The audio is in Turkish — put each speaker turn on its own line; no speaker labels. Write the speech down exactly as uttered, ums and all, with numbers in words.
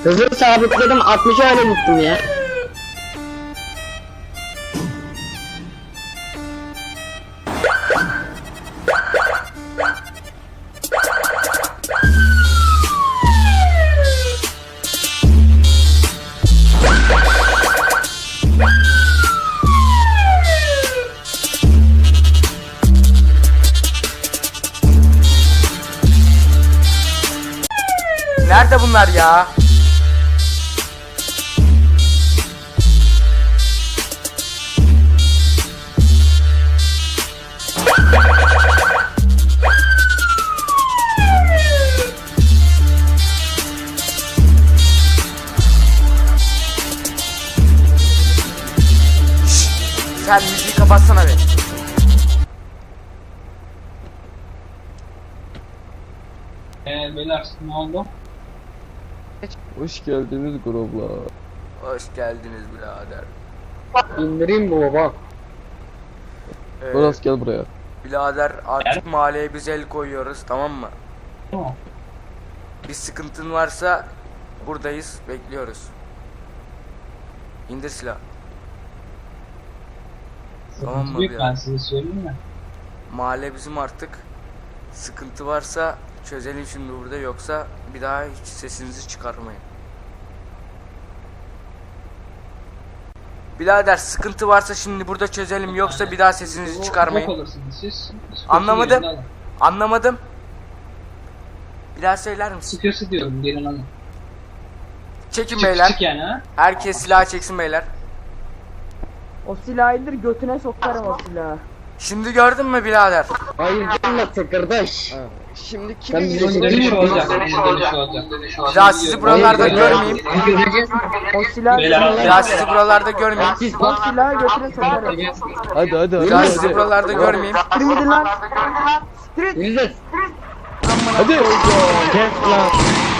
Hızı sabitledim, altmışa öyle gittim ya.
Nerede bunlar ya? Şşş, sen müziği kapatsana be.
Eee beyler ne oldu?
Hoş geldiniz grublar.
Hoş geldiniz birader.
İndireyim bu baba.
Ee,
Boras gel buraya.
birader artık mahalleye biz el koyuyoruz, tamam mı?
Tamam.
Bir sıkıntın varsa buradayız, bekliyoruz. İndir silah. Tamam
Sıkıntı
mı
büyük,
birader?
ben size söyleyeyim mi?
Mahalle bizim artık. Sıkıntı varsa çözelim şimdi burada, yoksa bir daha hiç sesinizi çıkarmayın. Birader sıkıntı varsa şimdi burada çözelim, yoksa bir daha sesinizi
Yok
çıkarmayın.
olursunuz siz. Sıkıntı
Anlamadım.
yerinde alın.
Anlamadım. Bir daha söyler misin?
Sıkıyorsa diyorum gelin alın.
Çekin
Çık
beyler.
çık yani ha.
Herkes silah çeksin beyler.
O silahı indir, götüne sokarım o silahı.
Şimdi gördün mü birader?
Hayır gelme kardeş.
Şimdi
Ben
kimi
bize
Dönüş
söyleyeyim.
olacak. Dönüş olacak.
Bir daha sizi buralarda görmeyeyim.
Göreceğiz.
O silahı
Beyler,
Bir daha sizi buralarda görmeyeyim.
Siz
o silahı götüne sokarım.
Hadi hadi
Bir daha
hadi.
sizi
Hadi.
buralarda görmeyeyim.
Siktir gidin lan. Siktir.
Yürüyeceğiz.
Hadi.
Kes lan.